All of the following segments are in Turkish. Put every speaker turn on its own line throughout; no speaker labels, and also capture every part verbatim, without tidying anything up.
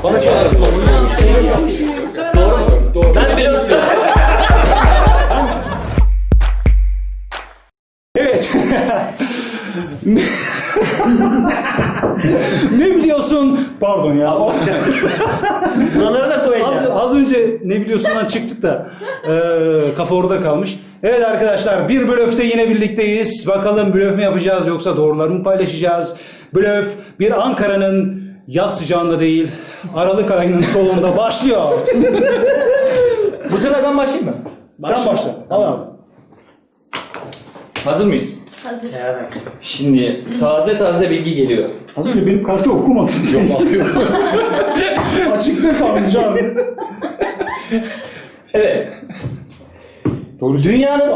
Bana çalar.
Doğru mu? Doğru. Ben bir atıyorum.
Evet. Ne biliyorsun? Pardon ya.
Buraları da
Az,
koyacağım.
az önce ne biliyorsundan çıktık da e, kafa orada kalmış. Evet arkadaşlar, bir blöfte yine birlikteyiz. Bakalım blöf mü yapacağız yoksa doğruları mı paylaşacağız? Blöf bir Ankara'nın yaz sıcağında değil, Aralık ayının solunda başlıyor.
Bu sefer ben başlayayım mı?
Sen başla. Al abi.
Hazır mıyız?
Hazırız.
Evet.
Şimdi taze taze bilgi geliyor.
Az önce benim kartı okumadın. Yok Açıkta kalmış abi.
Evet.
Doğru.
Dünyanın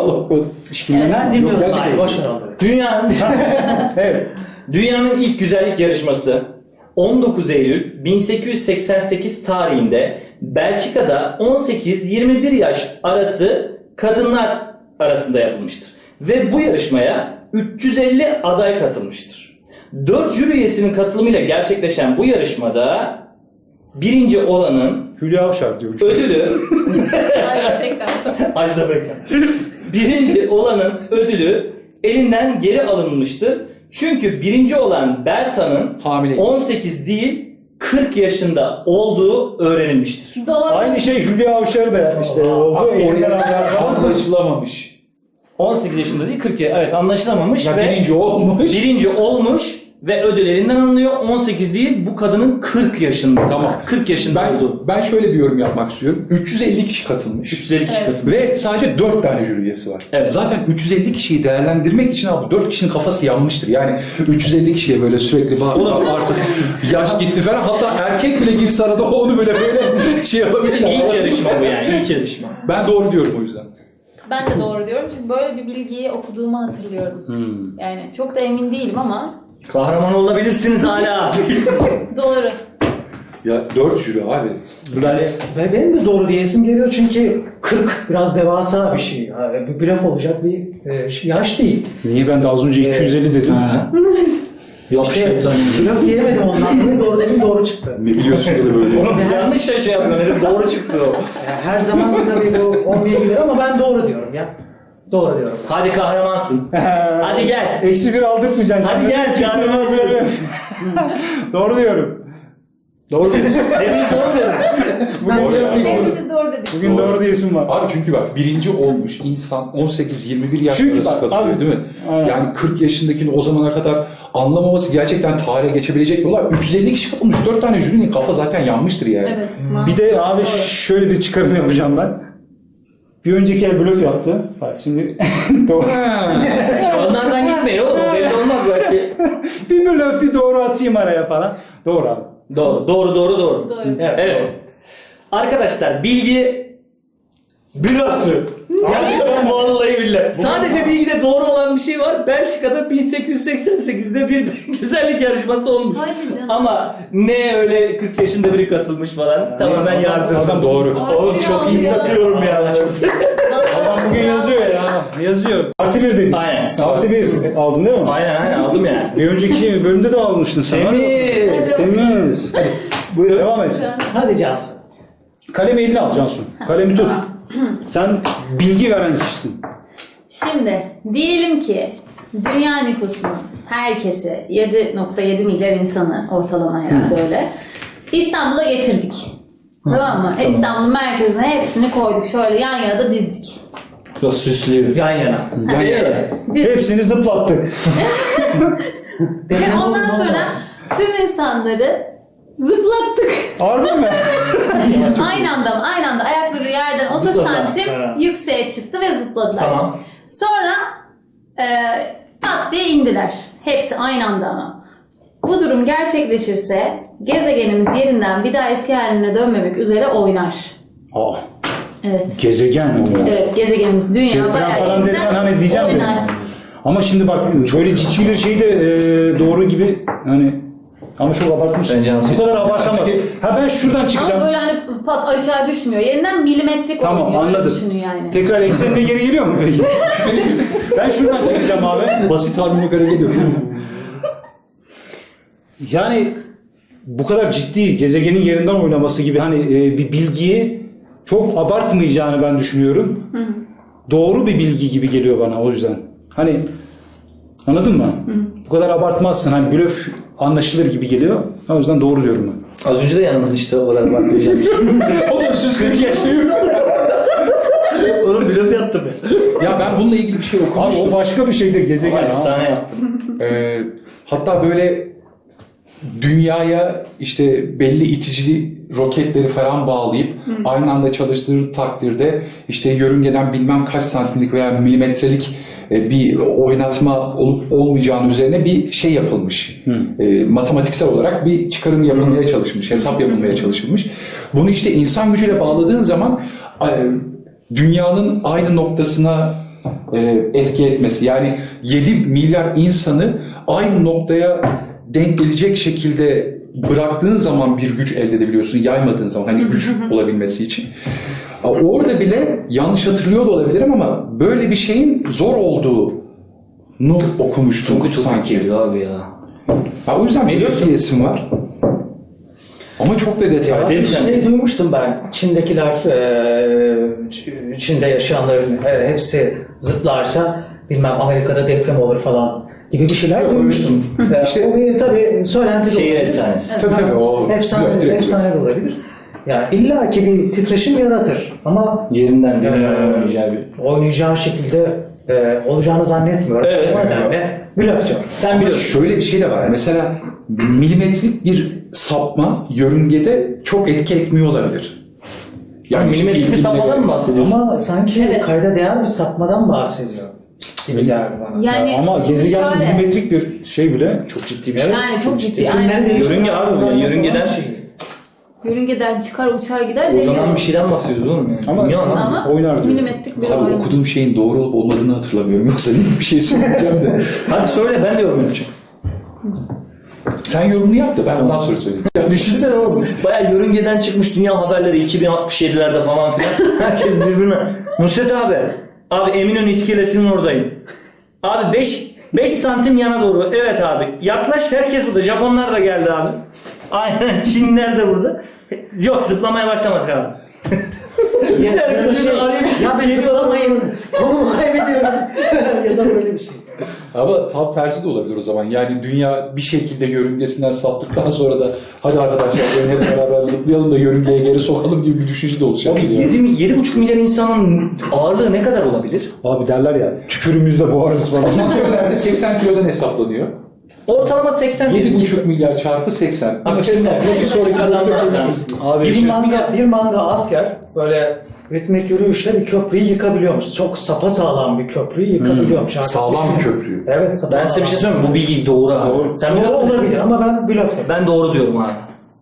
Ben dinliyorum.
gerçekten.
Hayır, boş ver onları.
dünyanın
Evet.
dünyanın ilk güzellik yarışması on dokuz Eylül bin sekiz yüz seksen sekiz tarihinde Belçika'da on sekiz yirmi bir yaş arası kadınlar arasında yapılmıştır. Ve bu yarışmaya üç yüz elli aday katılmıştır. dört jüri üyesinin katılımıyla gerçekleşen bu yarışmada birinci olanın
Hülya Avşar diyormuş.
ödülü
Hayır, tekrar.
Ajda Pekkan. Birinci olanın ödülü elinden geri alınmıştır. Çünkü birinci olan Berta'nın
Hamileyim.
on sekiz değil kırk yaşında olduğu öğrenilmiştir.
Doğru.
Aynı şey Hülya Avşar da işte oldu. Elinden aldı.
Anlaşılamamış.
on sekiz yaşında değil kırk yaşında. Evet, anlaşılamamış
Ya
ve
birinci olmuş.
birinci olmuş ve ödül elinden alınıyor. on sekiz değil, bu kadının kırk yaşında.
Tamam.
kırk yaşında
Ben,
oldu.
ben şöyle bir yorum yapmak istiyorum. üç yüz elli kişi katılmış.
üç yüz elli kişi
Evet.
katıldı.
Ve sadece dört tane jüri üyesi var.
Evet.
Zaten üç yüz elli kişiyi değerlendirmek için abi dört kişinin kafası yanmıştır. Yani üç yüz elli kişiye böyle sürekli bak
Oğlum.
artık yaş gitti falan. Hatta erkek bile girse arada onu böyle böyle şey yapabilirler.
İlk yarışma bu yani, ilk yarışma.
Ben doğru diyorum o yüzden.
Ben de doğru diyorum çünkü böyle bir bilgiyi okuduğumu hatırlıyorum.
Hmm.
Yani çok da emin değilim ama
Kahraman olabilirsiniz hala.
doğru.
Ya dört jüri abi.
Yani, ve benim de doğru diyesim geliyor çünkü kırk biraz devasa bir şey. Ha, Bir blöf olacak bir e, şey- yaş değil.
Niye ben de az önce iki yüz elli dedim?
Ha. Yok
İşte
şey
blöf diyemedim ondan dolayı doğru dedim doğru çıktı.
Ne biliyorsun da böyle.
Oğlum yanlış şey yapıyor. Herif doğru çıktı o.
Yani her zaman tabii bu olmayabilir ama ben doğru diyorum ya. Doğru diyorum.
Hadi kahramansın. Hadi gel.
Eksi bir aldırtmayacaksın.
Hadi gel,
Kesin
kahraman
böyle. Doğru diyorum. Doğru diyorsun.
Hepiniz doğru diyorum.
Doğru ya, doğru.
Hepimiz doğru dedik.
Bugün doğru diyesim var.
Abi çünkü bak birinci olmuş insan on sekiz yirmi bir yaş
Çünkü
arası
bak,
katılıyor
abi,
değil mi?
aynen.
Yani kırk yaşındakini o zamana kadar anlamaması gerçekten tarihe geçebilecek bir olay. üç yüz elli kişi katılmış. dört tane jürinin kafa zaten yanmıştır yani.
Evet.
Bir de abi
Doğru.
şöyle bir çıkarım yapacağım ben. Bir önceki el blöf yaptı. Bak şimdi doğru.
Onlardan gitmeyin oğlum. O belli olmaz belki.
Bir blöf bir doğru atayım araya falan. Doğru abi.
Doğru, doğru, doğru, doğru.
Doğru.
Evet.
Evet. Arkadaşlar bilgi blöftü. Gerçekten vallahi billahi. Sadece bilgide doğru olan bir şey var. Belçika'da bin sekiz yüz seksen sekizde bir güzellik yarışması olmuş.
Hayır canım.
Ama ne öyle kırk yaşında biri katılmış falan. Tamamen yardım.
Adam doğru.
Oğlum çok iyi satıyorum ya.
Adam bugün yazıyor ya. Yazıyor. Artı bir dedik.
Aynen.
Artı bir aldın değil mi?
Aynen aynen aldım yani.
Bir önceki bölümde de almıştın sen.
Temiz.
Temiz. Hadi. Buyur devam et.
Hadi Cansu.
Kalemi eline al Cansu. Kalemi tut. Sen bilgi veren kişisin.
Şimdi diyelim ki dünya nüfusunun herkesi yedi nokta yedi milyar insanı ortalama herhalde öyle İstanbul'a getirdik. Tamam mı? İstanbul'un merkezine hepsini koyduk. Şöyle yan yana da dizdik.
Biraz süslüyor.
Yan yana.
Yani.
Dizdik.
Hepsini zıplattık.
Ve ondan sonra tüm insanları zıplattık.
Harbi mi?
Aynı anda mı? Aynı anda ayakları yerden otuz
Zıpladılar.
santim
Ha.
yükseğe çıktı ve zıpladılar.
Tamam.
Sonra e, pat diye indiler. Hepsi aynı anda ama. Bu durum gerçekleşirse gezegenimiz yerinden bir daha eski haline dönmemek üzere oynar.
Aa,
Evet.
gezegen oynar.
Evet, gezegenimiz dünya
Deprem
bayağı
falan
yerinden
desen hani diyeceğim de.
oynar.
Ama şimdi bak böyle ciddi bir şey de e, doğru gibi hani ama çok abartmış.
Ben Cansu'yu-
Bu kadar abartamaz. Ha ben şuradan
Ama
çıkacağım.
böyle hani pat aşağı düşmüyor. Yerinden milimetrik
Tamam,
oynuyor. Öyle
anladım.
düşünün yani.
Tekrar eksenine geri geliyor mu peki? Ben şuradan çıkacağım abi.
Basit harmonik hareket ediyor.
Yani bu kadar ciddi gezegenin yerinden oynaması gibi hani e, bir bilgiyi çok abartmayacağını ben düşünüyorum. Hı hı. Doğru bir bilgi gibi geliyor bana o yüzden. Hani anladın mı? Hı. Bu kadar abartmazsın. Hani blöf anlaşılır gibi geliyor. O yüzden doğru diyorum ben.
Az önce de yanımız işte o kadar bakmayacağım.
O da kırk yaşlıyor.
Oğlum blöf yaptım ya.
Ya ben bununla ilgili bir şey
Abi
okumuştum.
o başka bir şeydi gezegen.
Ama
ha.
efsane yaptım.
Ee, hatta böyle dünyaya işte belli itici roketleri falan bağlayıp Hı. aynı anda çalıştırır takdirde işte yörüngeden bilmem kaç santimlik veya milimetrelik bir oynatma olup olmayacağının üzerine bir şey yapılmış. E, matematiksel olarak bir çıkarım yapılmaya çalışılmış, hesap yapılmaya çalışılmış. Bunu işte insan gücüyle bağladığın zaman e, dünyanın aynı noktasına e, etki etmesi. Yani yedi milyar insanı aynı noktaya denk gelecek şekilde bıraktığın zaman bir güç elde edebiliyorsun. Yaymadığın zaman hani güç olabilmesi için. Orada bile yanlış hatırlıyor da olabilirim ama böyle bir şeyin zor olduğunu okumuştum
Çok çok
sanki.
geliyor abi ya.
Ha, o yüzden blöf diyesim var. Ama çok da detay.
Ya bir şey duymuştum ben. Çin'dekiler, e, Çin'de yaşayanların e, hepsi zıplarsa bilmem Amerika'da deprem olur falan gibi bir şeyler
Yok,
duymuştum. E,
İşte-
o bir tabii söylenti de
Şehir
olabilir.
efsanesi.
Tabii tabii o blöf
Efsane,
direkt.
efsane de olabilir. Yani illa ki bir titreşim yaratır ama
Yerinden bir
Ee,
oynayacağı bir.
oynayacağı şekilde e, olacağını zannetmiyorum.
Evet.
O nedenle blöf diyorum.
Sen
Ama
biliyorsun.
şöyle bir şey de var. Mesela milimetrik bir sapma yörüngede çok etki etmiyor olabilir.
Yani
işte
milimetrik bir
ilgili-
sapmadan mı bahsediyorsun?
Ama sanki
Evet.
kayda değer bir sapmadan bahsediyor gibi geldi bana.
Yani
Ama
şimdi
gezegen
şöyle-
milimetrik bir şey bile çok ciddi bir şey.
Yani çok ciddi.
Fikirleri
Yani
değiştiren
Yörünge abi bu ya,
olan
yörüngeden-
şey.
yörüngeden çıkar uçar gider
O zaman
demiyorum.
bir şeyden bahsediyoruz oğlum yani.
Ama-
Dünya lan.
Ama
Oynar diyor.
milimetrik bir
Abi
oyun.
okuduğum şeyin doğru olup olmadığını hatırlamıyorum. Yoksa bir şey söyleyeceğim de.
Hadi söyle ben de yorum yapacağım.
Sen yorumunu yap da ben ondan sonra söyleyeyim.
Ya düşünsene oğlum. Bayağı yörüngeden çıkmış dünya haberleri iki bin altmış yedilerde falan filan. Herkes birbirine. Nusret abi. Abi Eminönü iskelesinin oradayım. Abi beş beş santim yana doğru. Evet abi. Yaklaş herkes burada. Japonlar da geldi abi. Aynen Çinliler de burada. Yok zıplamaya başlamadık abi.
Ya, ya da şey, ya ben zıplamayayım, konumu kaybediyorum ya da böyle bir şey.
Ama tam tersi de olabilir o zaman. Yani dünya bir şekilde yörüngesinden saptıktan sonra da hadi arkadaşlar gelin hep beraber zıplayalım da yörüngeye geri sokalım gibi bir düşünce de olacak.
Abi
Yani.
yedi buçuk milyar insanın ağırlığı ne kadar olabilir?
Abi derler ya tükürümüzde boğarız falan.
Asansörlerde seksen kilodan hesaplanıyor.
Ortalama seksen.
yedi buçuk milyar çarpı seksen.
Abi seksen. Bir sonraki adamlar.
Abi
Bir
işte-
manga, bir manga asker böyle ritmik yürüyüşle bir köprüyü yıkabiliyormuş. Çok sapasağlam bir köprüyü yıkabiliyormuş. Artık
Sağlam bir
düşün.
köprü.
Evet
Ben
sapasağlam.
size bir şey söyleyeyim mi? Bu bilgi doğru abi.
Doğru.
Sen
Doğru
biliyor musun?
olabilir ama ben blöf dedim.
Ben doğru diyorum abi.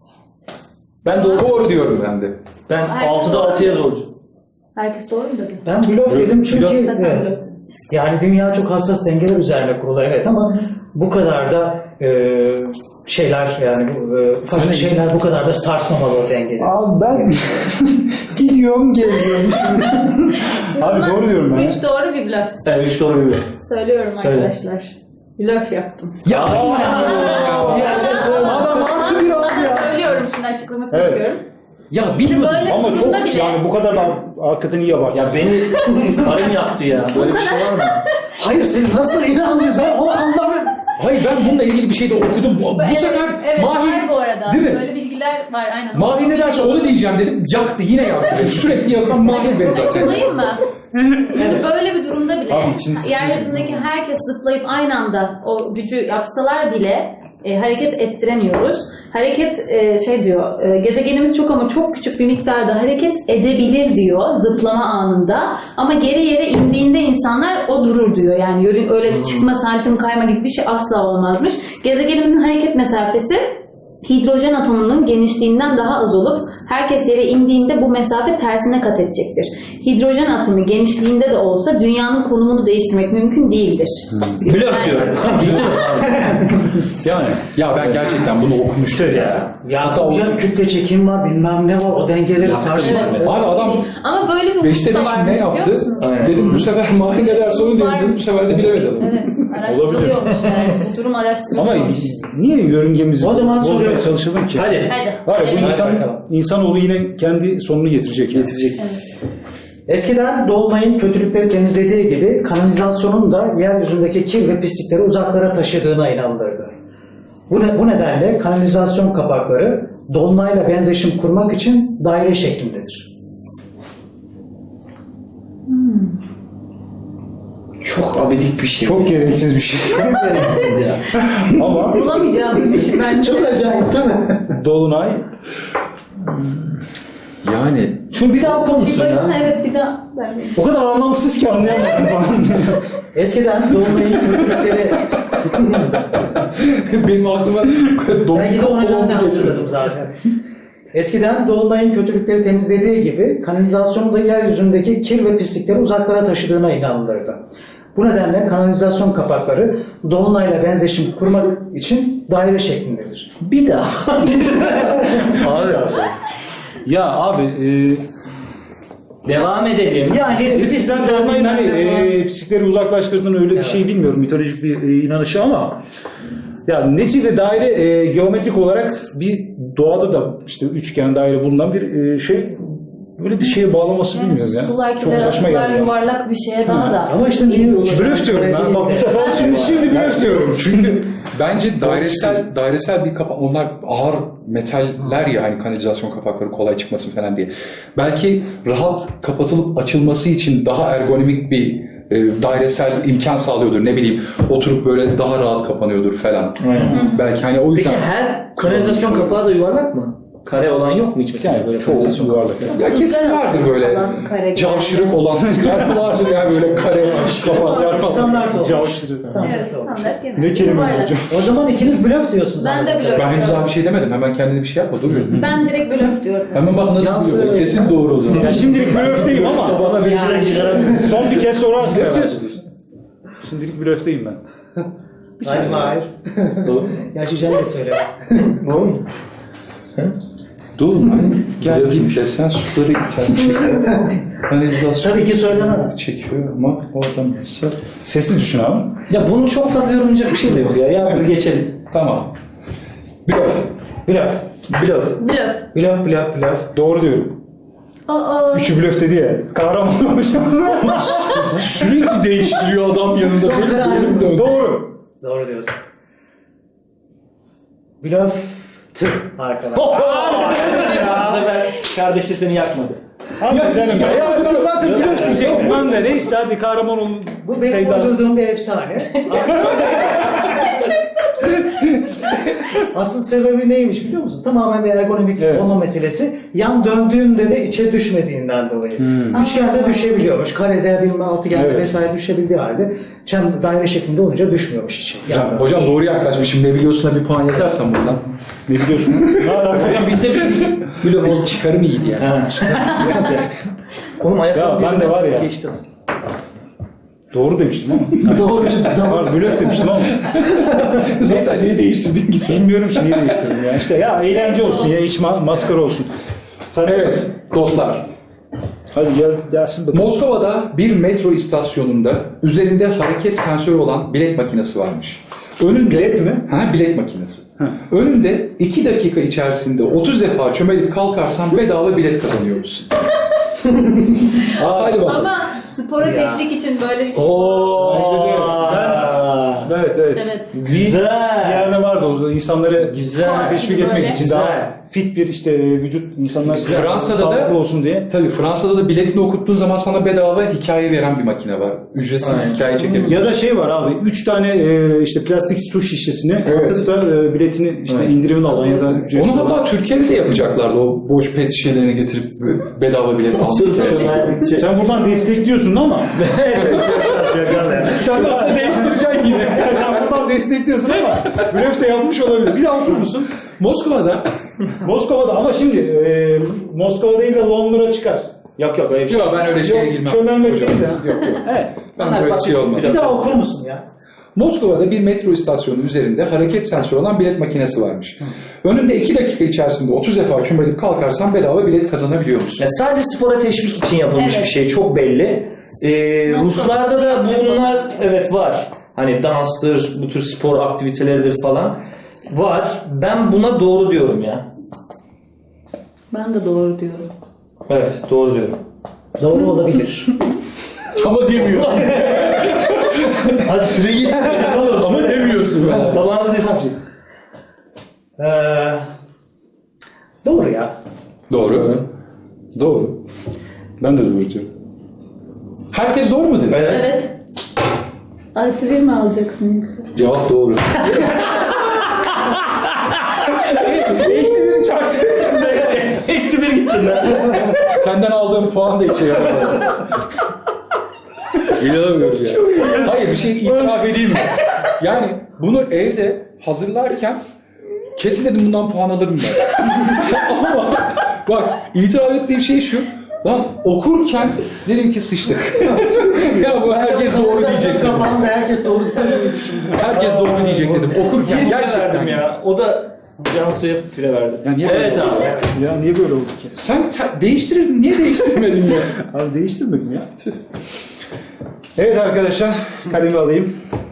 Ben doğru.
Doğru diyorum ben de.
Ben
Hayır,
altıda
doğru.
altıya zorcu.
Herkes doğru mu dedi?
Ben blöf dedim çünkü
Blöf.
Ben sen
evet,
blöf.
yani dünya çok hassas dengeler üzerine kurulu evet ama bu kadar da e, şeyler yani bu, e, ufacık şeyler bu kadar da sarsmamalı o dengeleri.
Abi ben gidiyorum geliyorum.
Şimdi o
Abi
zaman
doğru diyorum ben.
Üç doğru bir blöf.
Evet üç doğru bir blöf.
Söylüyorum
Söyle.
arkadaşlar. Blöf yaptım.
Ya
Yaşasın. Adam artı bir aldı
Ben
ya.
söylüyorum şimdi açıklamasını
Evet.
yapıyorum.
ya
Şimdi
bilmiyorum.
böyle
Ama
bir
çok
durumda bile
yani bu kadar da hakikaten iyi abarttı.
Ya beni karım yaktı ya. Böyle bir şey var mı?
Hayır siz nasıl inandınız ben onu anlamıyorum.
Hayır ben bununla ilgili bir şey de okudum. Bu
evet,
sefer
evet,
Mahir
var bu arada.
değil mi?
Böyle bilgiler var aynen.
Mahir ne derse onu diyeceğim dedim. Yaktı yine yaktı. beni. Sürekli yakan Mahir beni zaten.
Açıklayayım mı? Şimdi böyle bir durumda bile
Abi içini sıçrayacak.
yeryüzündeki herkes zıplayıp aynı anda o gücü yapsalar bile e, hareket ettiremiyoruz. Hareket e, şey diyor, e, gezegenimiz çok ama çok küçük bir miktarda hareket edebilir diyor zıplama anında. Ama geri yere indiğinde insanlar o durur diyor. Yani yörün öyle çıkma, santim kayma gibi bir şey asla olmazmış. Gezegenimizin hareket mesafesi hidrojen atomunun genişliğinden daha az olup herkes yere indiğinde bu mesafe tersine kat edecektir. Hidrojen atomu genişliğinde de olsa dünyanın konumunu değiştirmek mümkün değildir.
Blöf diyorum. Bitti mi?
Yani ya ben gerçekten bunu okumuştum.
Söyle ya.
Ya tabii canım kütle çekim var bilmem ne var o dengeleri
Yaktı
sarsıyor.
bizi.
Abi adam
Ama böyle bir
beşte
hukuk da
beş
varmış
ne
biliyor
yaptı?
musunuz?
Aynen.
Dedim bu sefer Mahir ne derse onu diyelim dedim. Bu sefer de bilemedi adam.
Evet, araştırılıyormuş yani. Bu durum araştırılıyor.
Ama niye yörüngemiz
O zaman
bozmaya anlatmaya çalışalım ki.
Hadi.
Hadi.
Var ya bu
Öyle.
insan,
bakalım.
insanoğlu yine kendi sonunu getirecek. Yani.
Getirecek.
Eskiden dolunayın kötülükleri temizlediği gibi kanalizasyonun da yeryüzündeki kir ve pislikleri uzaklara taşıdığına inanılırdı. Bu, ne, bu nedenle kanalizasyon kapakları dolunayla benzeşim kurmak için daire şeklindedir.
Çok abidik bir şey.
Çok gereksiz bir şey.
Çok gereksiz ya.
Ama
Bulamayacağım bir şey bence.
Çok acayip değil mi?
dolunay
Yani
Şunu bir daha okur musun
Başına
ya?
evet bir daha. Bence.
o kadar anlamsız ki anlayamadım falan.
Eskiden dolunayın kötülükleri...
benim aklıma
Belki de o nedenle hazırladım zaten. Eskiden dolunayın kötülükleri temizlediği gibi kanalizasyonun da yeryüzündeki kir ve pislikleri uzaklara taşıdığına inanılırdı. Bu nedenle kanalizasyon kapakları dolunayla benzeşim kurmak için daire şeklindedir.
Bir daha. Abi.
Ya abi e,
Devam edelim.
Yani
eskiden
pislikler
dolunayın hani
bilmem ne falan.
e, pislikleri uzaklaştırdığını öyle bir şey bilmiyorum. Mitolojik bir e, inanışı ama ya neticede daire e, geometrik olarak bir doğada da işte üçgen daire bulunan bir e, şey böyle bir şeye bağlaması bilmiyorum ya.
Sular
Çok
kiler,
saçma
sular
geldi. ya.
yuvarlak bir şeye daha da.
Ama işte niye
Blöf diyorum ben. Bak bu sefer şimdi şimdi blöf diyorum.
çünkü bence dairesel dairesel bir kapak, onlar ağır metaller ya, hani kanalizasyon kapakları kolay çıkmasın falan diye. Belki rahat kapatılıp açılması için daha ergonomik bir e, dairesel imkan sağlıyordur. Ne bileyim, oturup böyle daha rahat kapanıyordur falan.
Aynen.
Belki hani o
Peki
yüzden
her kanalizasyon kapağı da yuvarlak mı? Kare olan yok mu hiç mesela
Yani
böyle
çoğu
kanalizasyon
yuvarlak.
ya kesin vardır böyle
Falan, kare gibi.
cavşırık olan yer vardır ya, böyle kare kapak.
Standart olmuş.
Cavşırı.
Standart
Evet,
olmuş.
standart genel.
Ne kelime
Yuvarlak.
hocam?
O zaman ikiniz blöf diyorsunuz.
Ben de
anladığım
blöf.
Ben henüz daha bir şey demedim. Hemen kendine bir şey yapma. Dur.
Ben direkt blöf diyorum.
Hemen bak nasıl
Yansın.
diyor. Kesin doğru o zaman.
Ya şimdilik blöfteyim ama
Bana bir
Yani-
çıkaramıyorum.
son bir kez sorarsın
Blöf
herhalde.
diyorsun.
Şimdilik blöfteyim ben.
Hadi Mahir.
Doğru.
Gerçi Cem de söyle.
Doğru mu?
Dur lan. Gel git de sen suları iten kanalizasyon
Tabii ki söylemem.
çekiyor ama oradan mesela.
Sessiz düşün abi.
Ya bunun çok fazla yorumlayacak bir şey de yok ya. Ya biz geçelim.
Tamam. Blöf.
Blöf.
Blöf.
Blöf.
Blöf, blöf, blöf.
Doğru diyorum.
Aa,
Üçü blöf dedi ya. Kahraman olacağım.
Sürekli değiştiriyor adam yanında.
Son
Böyle
karar.
dönüp dönüp.
Doğru.
Doğru diyorsun. Blöf. Tüh arkadaş.
Bu sefer kardeşi seni yakmadı.
Hadi canım ya. Ya ben zaten blöf diyecektim ben de. Neyse hadi kahraman olun.
Bu benim
sevdası.
uydurduğum bir efsane. Aslında... Asıl sebebi neymiş biliyor musun? Tamamen bir ergonomik
Evet.
olma meselesi. Yan döndüğünde de içe düşmediğinden dolayı. Üçgende düşebiliyormuş. Karede, bilmem altıgende
Evet.
vesaire düşebildiği halde çem daire şeklinde olunca düşmüyormuş içe.
Hocam,
Yani.
hocam doğru yaklaşmışım. Ne biliyorsun bir puan yazarsan buradan.
Ne biliyorsun? Ne alaka?
Hocam biz de bildik. Blöf oldu.
Çıkarım iyiydi yani.
Ha. Oğlum ayakkabı
Ya ben de var ya.
Geçti.
Doğru demiştim ama.
Doğrucu
Var blöf demiştim ama.
Neyse niye değiştirdin ki sen?
Bilmiyorum ki niye değiştirdim ya. İşte ya eğlence olsun ya iş ma- maskara olsun. Sen
Evet dostlar.
Hadi gel gelsin bakalım.
Moskova'da bir metro istasyonunda üzerinde hareket sensörü olan bilet makinesi varmış. Önünde,
Bilet mi?
Ha, bilet makinesi.
Ha.
Önünde iki dakika içerisinde otuz defa çömelip kalkarsan bedava bilet kazanıyorsun. Hadi bakalım.
ama spora
Ya.
teşvik için böyle bir şey.
Oo.
Evet evet.
Evet.
Bir
Güzel.
yerde vardı o insanları
Güzel.
spora teşvik
Böyle.
etmek için
Güzel.
daha fit bir işte vücut insanlar
Fransa'da da-
sağlıklı olsun diye.
Tabii Fransa'da da biletini okuttuğun zaman sana bedava hikaye veren bir makine var. Ücretsiz
Aynen.
hikaye çekebiliyorsun.
Ya da şey var abi, üç tane e, işte plastik su şişesini
Evet.
atıp da e, biletini işte
Evet.
indirimini alan ya da ücretsiz
Onu
alan.
hatta Türkiye'de de yapacaklardı. O boş pet şişelerini getirip bedava bilet almak.
Sen buradan destekliyorsun ama
Evet. Çakal ya.
sen nasıl değiştireceksin yine? sen, sen buradan destekliyorsun ama blöf de yapmış olabilir. Bir daha okur musun?
Moskova'da
Moskova'da ama şimdi e, Moskova değil de Londra çıkar.
Yok yok öyle bir şey.
yok ben öyle şeye
Yok,
girmem.
çömelmek
Hocam.
değil de.
Yok yok.
Evet.
Ben
Hadi
böyle bir şey
bakayım,
olmaz.
bir
Bir daha okur musun ya?
Moskova'da bir metro istasyonu üzerinde hareket sensörü olan bilet makinesi varmış. Önünde iki dakika içerisinde otuz defa çömelip kalkarsan bedava bilet kazanabiliyor musun?
Ya sadece spora teşvik için yapılmış
Evet.
bir şey. Çok belli. Ee,
Nasıl?
Ruslarda da
Yapacak
bunlar
olan.
evet var. Hani danstır, bu tür spor aktiviteleridir falan. var. Ben buna doğru diyorum ya.
Ben de doğru diyorum.
Evet, doğru diyorum.
Doğru olabilir.
Ama demiyor.
Hadi süre yetiştiririz oğlum.
Ama demiyorsun. Yani.
Zamanımız yetişecek.
Ee, doğru ya.
Doğru.
Doğru. Ben de doğru diyorum.
Herkes doğru mu dedi?
Evet.
Evet. Artı bir mi alacaksın yoksa?
Cevap doğru.
Eksi biri çarptı.
Eksi bir gittin lan.
Senden aldığım puan da işe yaramadı. İnanamıyorum ya. Hayır bir şey itiraf edeyim mi? Yani bunu evde hazırlarken kesin dedim bundan puan alırım ben. Ama bak itiraf ettiğim şey şu. Lan okurken dedim ki sıçtık. Ya bu herkes doğru diyecek dedim.
Kapağında herkes doğru diye düşündüm.
Herkes doğru diyecek dedim. Okurken
Bir fire
gerçekten.
verdim ya. O da Cansu'ya fire verdi.
Ya niye
Evet
böyle oldu?
abi.
Ya niye böyle oldu ki?
Sen te- değiştirirdin. Niye değiştirmedin ya?
Abi değiştirmedim ya. Tüh. Evet arkadaşlar, kalemi alayım.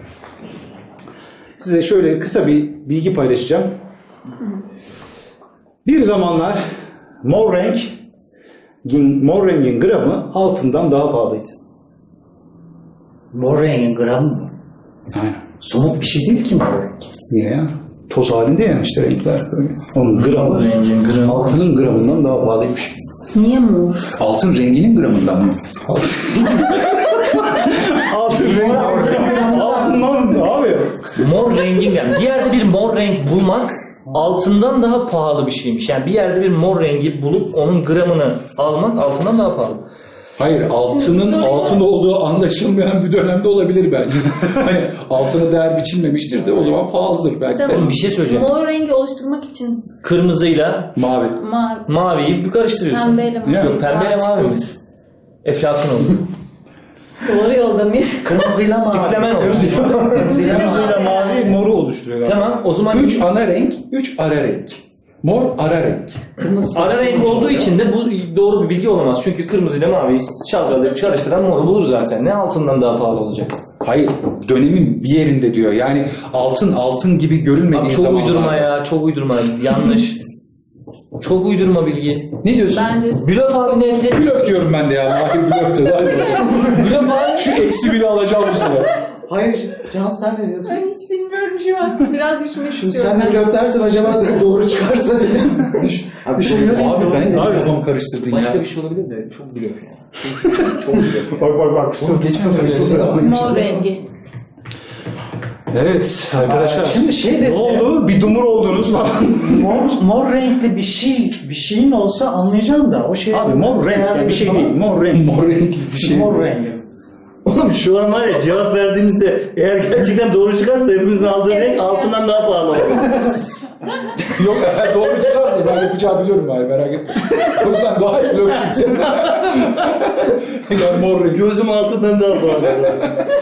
Size şöyle kısa bir bilgi paylaşacağım. Bir zamanlar mor renk, mor rengin gramı altından daha pahalıydı.
Mor rengin gramı mı?
Aynen.
Somut bir şey değil ki mor renk.
Niye ya? Toz halinde yani işte renkler. Böyle. Onun gramı,
Rengin gramı.
altının gramından daha pahalıymış.
Niye mor?
Altın renginin gramından mı?
Altın renk. Altından abi.
Mor rengin yani. Bir yerde bir mor renk bulmak altından daha pahalı bir şeymiş. Yani bir yerde bir mor rengi bulup onun gramını almak altından daha pahalı.
Hayır, altının
Sonra-
altın olduğu anlaşılmayan bir dönemde olabilir belki. Hani altına değer biçilmemiştir de o zaman pahalıdır belki de.
Mesela
Bir şey söyleyeceğim.
mor rengi oluşturmak için
Kırmızıyla
Mavi.
mavi,
maviyi bir karıştırıyorsun.
pembeyle mavi.
Ya.
Yok pembeyle
daha
mavi
açık
olur. Eflatun olur.
olur. Doğru yolda mıyız?
Kırmızıyla mavi.
Siklemen olur.
Kırmızıyla
Kırmızıyla
mavi.
mavi moru oluşturuyor. galiba.
Tamam o zaman
Üç ana renk, üç ara renk. Mor ara renk.
Kırmızı
ara renk olduğu için de bu doğru bir bilgi olamaz. Çünkü kırmızıyla maviyi çalkalayıp karıştıran moru bulur zaten. Ne altından daha pahalı olacak?
Hayır, dönemin bir yerinde diyor. Yani altın altın gibi görünmediği
Abi çok
zamanlarda.
uydurma ya, çok uydurma. Yanlış. Çok uydurma bilgi.
Ne diyorsun?
Bence
Blöf abi ne?
önce
Blöf diyorum ben de ya. Mahir blöftü.
Blöf abi
Şu eksi biri alacağım bu sefer.
Hayır Can sen ne diyorsun?
ben hiç bilmiyorum şu an. Biraz düşünmek
Şimdi
istiyorum.
sen de blöf dersen acaba doğru çıkarsa dedim. Düş- Düşünüyorum.
Abi ben de
Abi,
kafamı karıştırdın ya.
başka bir şey olabilir de çok blöf ya. Çok blöf.
Bak bak bak fısıltı fısıltı fısıltı.
Mor rengi.
Evet arkadaşlar.
Aa, şimdi şey
ne
dese-
oldu? Bir dumur oldunuz falan.
Mor, mor renkli bir şey bir şeyin olsa anlayacağım da o şey.
Abi mor renk yani bir şey
Bana-
değil. Mor renk.
Mor renkli bir şey.
Mor rengi.
Oğlum şu an var ya cevap verdiğimizde eğer gerçekten doğru çıkarsa hepimizin aldığı
Evet
renk
ya.
altından daha pahalı olur.
Yok eğer doğru çıkarsa ben yapacağı biliyorum abi merak etme. O yüzden daha iyi blöf çıksın. Yani mor renk.
Gözüm altından daha pahalı olur.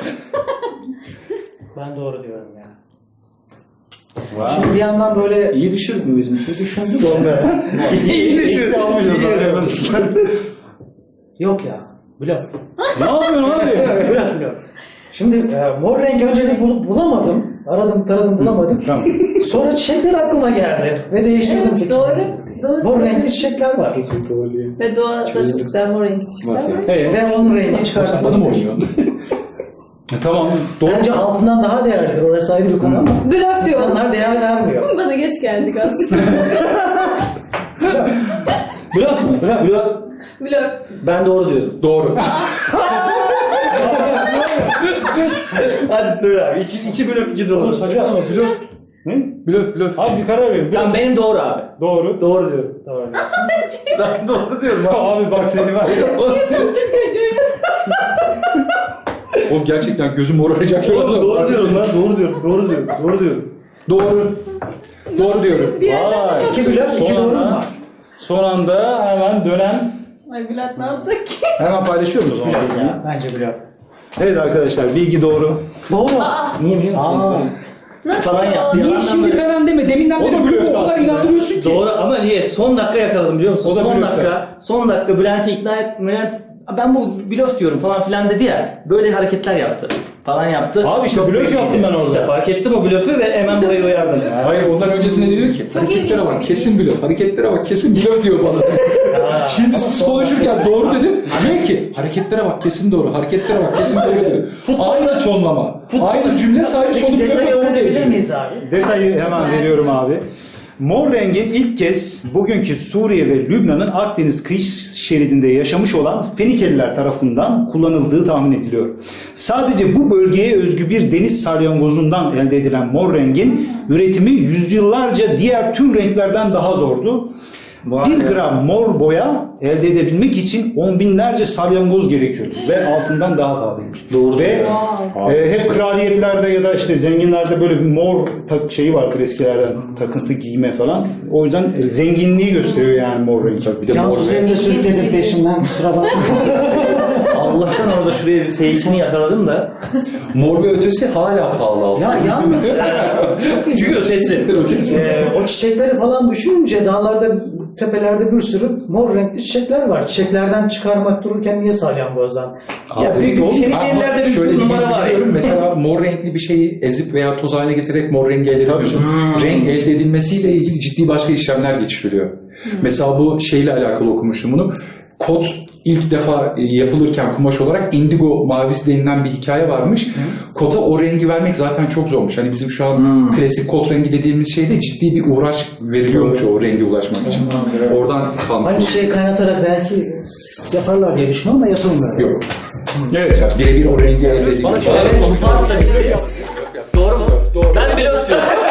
Ben doğru diyorum ya. Şimdi bir yandan böyle
İyi düşürdün mü yüzünü?
düşündüm.
Sonra. İyi
Eksi
düşürdün.
almışız
İyi
abi.
yapıyorsun.
Yok ya. Blöf.
Ne yapıyorsun abi?
Blöf blöf. Şimdi e, mor renk önce bir bul- bulamadım. Aradım taradım bulamadım.
Tamam.
Sonra çiçekler aklıma geldi. Ve değiştirdim
Evet,
fikrimi.
doğru. Doğru.
Mor renkli çiçekler var.
Ve doğada çok güzel mor renkli çiçekler var.
Evet.
Ve onun rengi
Bana mı
çıkartmadım.
oynuyor?
E, tamam. Doğru.
Bence altından daha değerlidir. Orası ayrı bir konu ama.
Blöf diyorum.
İnsanlar değer vermiyor.
Bana geç geldik aslında.
Blöf mü? Blöf.
Blöf.
Ben doğru diyorum.
Doğru.
Hadi söyle abi. İki, iki blöf iki doğru.
Saçmalama blöf.
Ne?
Blöf blöf.
Abi bir karar verin.
Tamam benim doğru abi.
Doğru.
Doğru diyorum.
Doğru diyorsun.
Ben doğru diyorum abi.
Abi bak seni var.
Sattın çocuğu.
Oğlum gerçekten gözüm moraracak.
Oğlum, doğru diyorum lan. Doğru diyorum. Doğru diyorum. Doğru diyorum.
Doğru. Doğru diyorum.
Bir yerden
Vay.
İki blöf, iki
Son
doğru mu
anda-
var?
Son anda hemen dönen.
Ay Bülent ne yapsak ki?
Hemen paylaşıyorum o zaman.
Blöf ya. Bence blöf.
Evet arkadaşlar bilgi doğru.
Doğru.
Aa,
Niye biliyor musun?
Aa.
nasıl
Falan
ya?
yaptı.
Niye şimdi falan deme. Deminden
O da
beri
blöftü
o kadar
aslında.
inandırıyorsun ki.
Doğru ama niye? Son dakika yakaladım biliyor musun?
O da
Son
blöfte.
dakika. Son dakika Bülent'i ikna et. Bülent ben bu blöf diyorum falan filan dedi ya. Böyle hareketler yaptı. Falan yaptı.
Abi işte
Çok
blöf
büyük
yaptım
iyiydi.
ben orada.
İşte fark ettim o blöfü ve hemen burayı uyardım.
Hayır ondan öncesinde diyor ki
Çok ilginç
hareketlere
bir
bak
bilgi.
kesin blöf, hareketlere bak kesin blöf diyor bana. Şimdi siz konuşurken doğru dedim. Diyor ki hareketlere bak kesin doğru, hareketlere bak kesin doğru diyor. Aynı tonlama, aynı cümle sadece sonu
Peki detayı
blöf
öğrenebilir
değişiyor.
miyiz abi?
Detayı hemen veriyorum abi. Mor rengin ilk kez bugünkü Suriye ve Lübnan'ın Akdeniz kıyı şeridinde yaşamış olan Fenikeliler tarafından kullanıldığı tahmin ediliyor. Sadece bu bölgeye özgü bir deniz salyangozundan elde edilen mor rengin üretimi yüzyıllarca diğer tüm renklerden daha zordu.
Vay
Bir
be.
gram mor boya elde edebilmek için on binlerce salyangoz gerekiyordu ve altından daha pahalıymış.
Doğru.
Ve e, hep kraliyetlerde ya da işte zenginlerde böyle bir mor tak şeyi vardır eskilerden, takıntı giyme falan. O yüzden zenginliği gösteriyor yani mor renk.
Tabii bir de mor
Cansu seni
ve
de sürükledim peşimden, kusura bakma.
Allah'tan orada şuraya bir fake'ini yakaladım da.
mor ve ötesi hala pahalı altın.
Ya yalnız e,
Çünkü ötesi.
Ötesi.
e, o çiçekleri falan düşününce dağlarda, tepelerde bir sürü mor renkli çiçekler var. Çiçeklerden çıkarmak dururken niye salyangozdan?
Ya büyük bir Fenikelilerde bir
şöyle bir
numara
bilgi
var
biliyorum.
ya.
Mesela mor renkli bir şeyi ezip veya toz haline getirerek mor rengi elde edemiyorsun. Renk elde edilmesiyle ilgili ciddi başka işlemler geçiriliyor. Mesela bu şeyle alakalı okumuştum bunu. Kot ilk defa yapılırken kumaş olarak indigo mavisi denilen bir hikaye varmış. Kota o rengi vermek zaten çok zormuş. Hani bizim şu an klasik kot rengi dediğimiz şeyde ciddi bir uğraş veriliyormuş o renge ulaşmak için. Oradan kalmış.
Aynı şeyi kaynatarak belki yaparlar diye düşünüyorum ama yapılmıyor.
Yok.
Evet.
Birebir o rengi elde edilmiş.
Evet, bu da bitti. Doğru mu? Ben blöf diyorum.